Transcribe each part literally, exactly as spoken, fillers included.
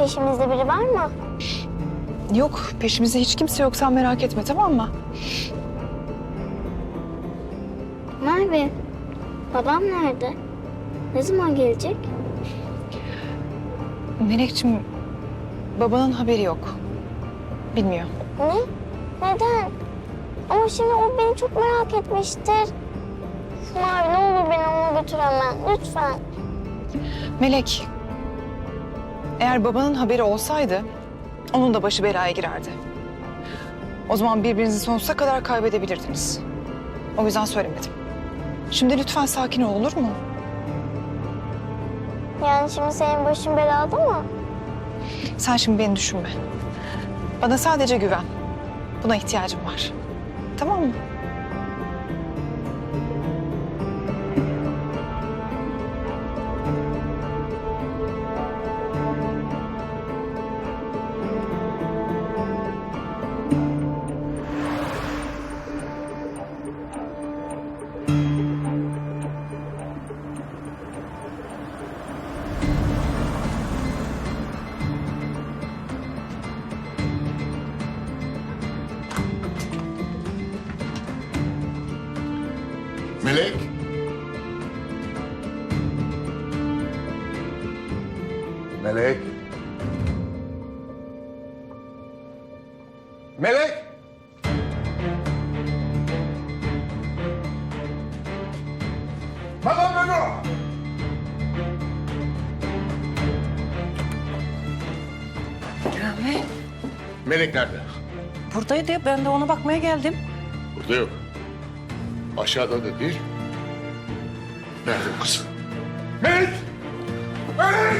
Peşimizde biri var mı? Yok, peşimizde hiç kimse yok. Sen merak etme, tamam mı? Merve, babam nerede? Ne zaman gelecek? Melekciğim, babanın haberi yok. Bilmiyor. Ne? Neden? Ama şimdi o beni çok merak etmiştir. Mavi, ne olur beni ona götür hemen, lütfen. Melek, eğer babanın haberi olsaydı onun da başı belaya girerdi. O zaman birbirinizi sonsuza kadar kaybedebilirdiniz. O yüzden söylemedim. Şimdi lütfen sakin ol, olur mu? Yani şimdi senin başın belada mı? Sen şimdi beni düşünme. Bana sadece güven. Buna ihtiyacım var. Tamam mı? Melek. Melek. Melek. Madame Memo. Rahmi, Melek nerede? buradaydı ya. Ben de ona bakmaya geldim. Burada yok. Aşağıda da değil. Nerede bu kız? Melek! Melek!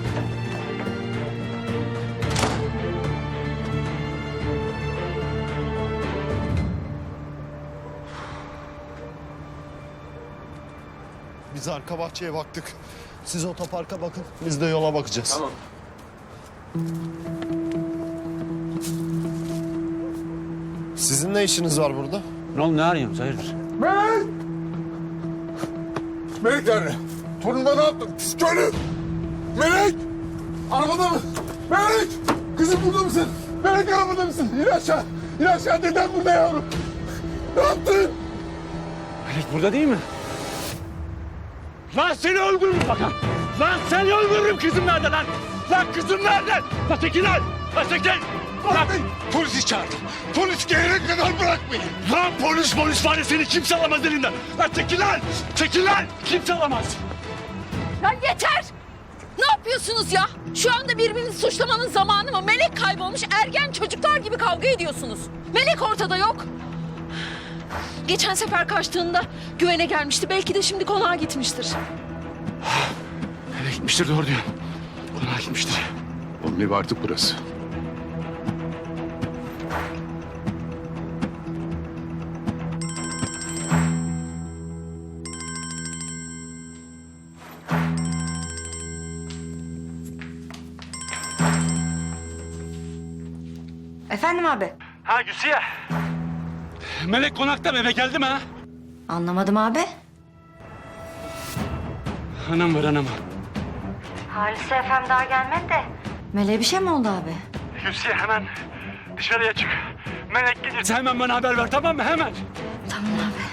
Biz arka bahçeye baktık. Siz otoparka bakın, biz de yola bakacağız. Tamam. Sizin ne işiniz var burada? Ne oldu, ne arıyorsun? Hayırdır? Melek! Melek nerede? Torunuma ne yaptın? Pis köylü! Melek! Arabada mı? Melek! Kızım burada mısın? Melek arabada mısın? İn aşağı! İn aşağı! Deden burada yavrum! Ne yaptın? Melek burada değil mi? Lan seni öldürürüm bakalım. Lan seni öldürürüm. Kızım nerede lan? Lan kızım nerede? Lan çekil lan. Lan çekil. Lan Polisi çağırdım. Polis gelene kadar bırakmayın. Lan polis polis var ya, seni kimse alamaz elinden. Lan çekil lan. Çekil lan. Kimse alamaz. Ya yeter! Ne yapıyorsunuz ya? Şu anda birbirinizi suçlamanın zamanı mı? Melek kaybolmuş, ergen çocuklar gibi kavga ediyorsunuz. Melek ortada yok. Geçen sefer kaçtığında güvene gelmişti. Belki de şimdi konağa gitmiştir. Nereye gitmiştir, doğru diyor. Konağa gitmiştir. Onun evi artık burası. Efendim abi? Ha Gülsiye. Melek konakta mı, eve geldi mi ha? Anlamadım abi. Anam var, anam. Halise efendim daha gelmedi de. Meleğe bir şey mi oldu abi? Gülsiye hemen dışarıya çık. Melek gelirse hemen bana haber ver, tamam mı? Hemen. Tamam abi.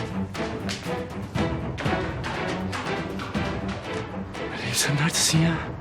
Melek sen neredesin ya?